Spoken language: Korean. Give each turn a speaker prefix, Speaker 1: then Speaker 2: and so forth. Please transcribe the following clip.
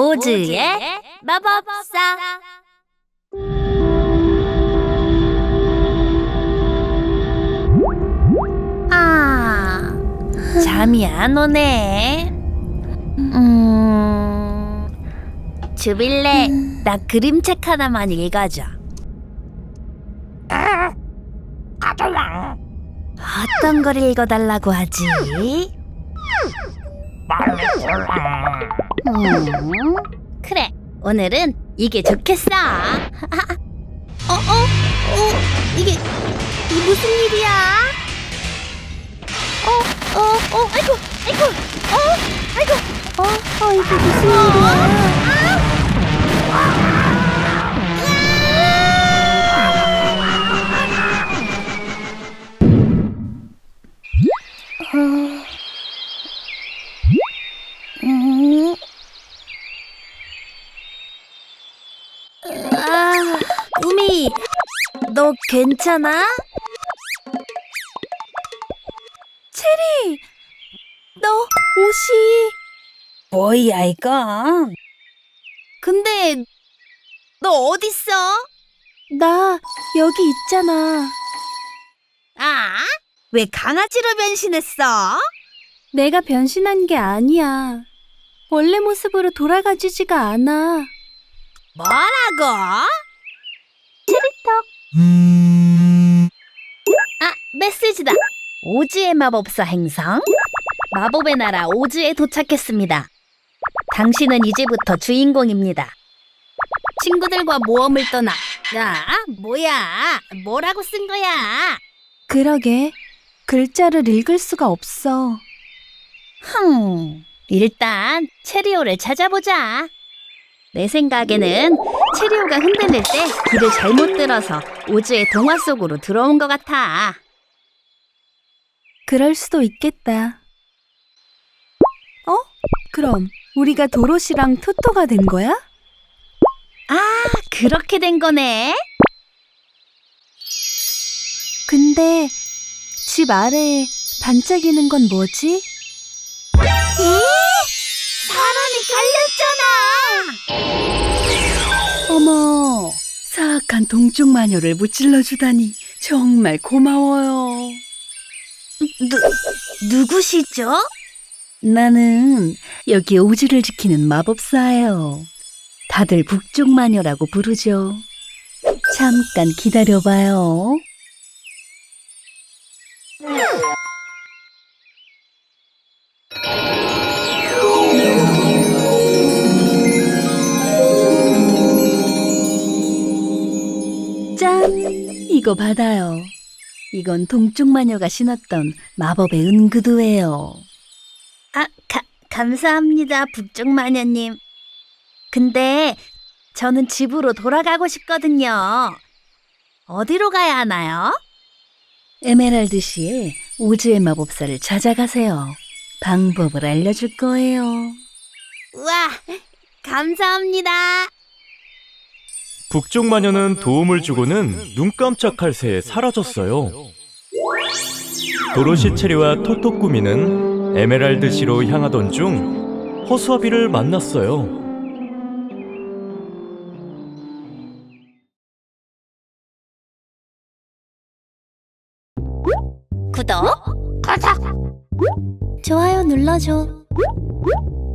Speaker 1: 오즈의 마법사. 잠이 안 오네. 주빌레, 나 그림책 하나만 읽어줘. 어떤 걸 읽어달라고 하지? 그래, 오늘은 이게 좋겠어. 이게 무슨 일이야? 이게 무슨 일이야? 우미, 너 괜찮아? 체리, 너 옷이...
Speaker 2: 뭐야 이건?
Speaker 1: 근데 너 어딨어?
Speaker 2: 나 여기 있잖아.
Speaker 1: 왜 강아지로 변신했어?
Speaker 2: 내가 변신한 게 아니야. 원래 모습으로 돌아가지지가 않아.
Speaker 1: 뭐라고?
Speaker 2: 체리떡.
Speaker 1: 메시지다. 오즈의 마법사 행성. 마법의 나라 오즈에 도착했습니다. 당신은 이제부터 주인공입니다. 친구들과 모험을 떠나. 뭐야? 뭐라고 쓴 거야?
Speaker 2: 그러게. 글자를 읽을 수가 없어.
Speaker 1: 일단 체리오를 찾아보자. 내 생각에는 체리오가 흔들릴 때 길을 잘못 들어서 오즈의 동화 속으로 들어온 것 같아.
Speaker 2: 그럴 수도 있겠다. 그럼 우리가 도로시랑 토토가 된 거야?
Speaker 1: 그렇게 된 거네.
Speaker 2: 근데 집 아래에 반짝이는 건 뭐지?
Speaker 1: 사람이 깔렸잖아.
Speaker 2: 어머, 사악한 동쪽 마녀를 무찔러 주다니 정말 고마워요.
Speaker 1: 누구시죠?
Speaker 2: 나는 여기 오즈를 지키는 마법사예요. 다들 북쪽 마녀라고 부르죠. 잠깐 기다려봐요. 짠! 이거 받아요. 이건 동쪽 마녀가 신었던 마법의 은구두예요.
Speaker 1: 감사합니다, 북쪽 마녀님. 근데 저는 집으로 돌아가고 싶거든요. 어디로 가야 하나요?
Speaker 2: 에메랄드시에 오즈의 마법사를 찾아가세요. 방법을 알려줄 거예요.
Speaker 1: 우와, 감사합니다.
Speaker 3: 북쪽 마녀는 도움을 주고는 눈 깜짝할 새에 사라졌어요. 도로시 체리와 토토꾸미는 에메랄드시로 향하던 중 허수아비를 만났어요.
Speaker 1: 구독,
Speaker 2: 좋아요 눌러줘.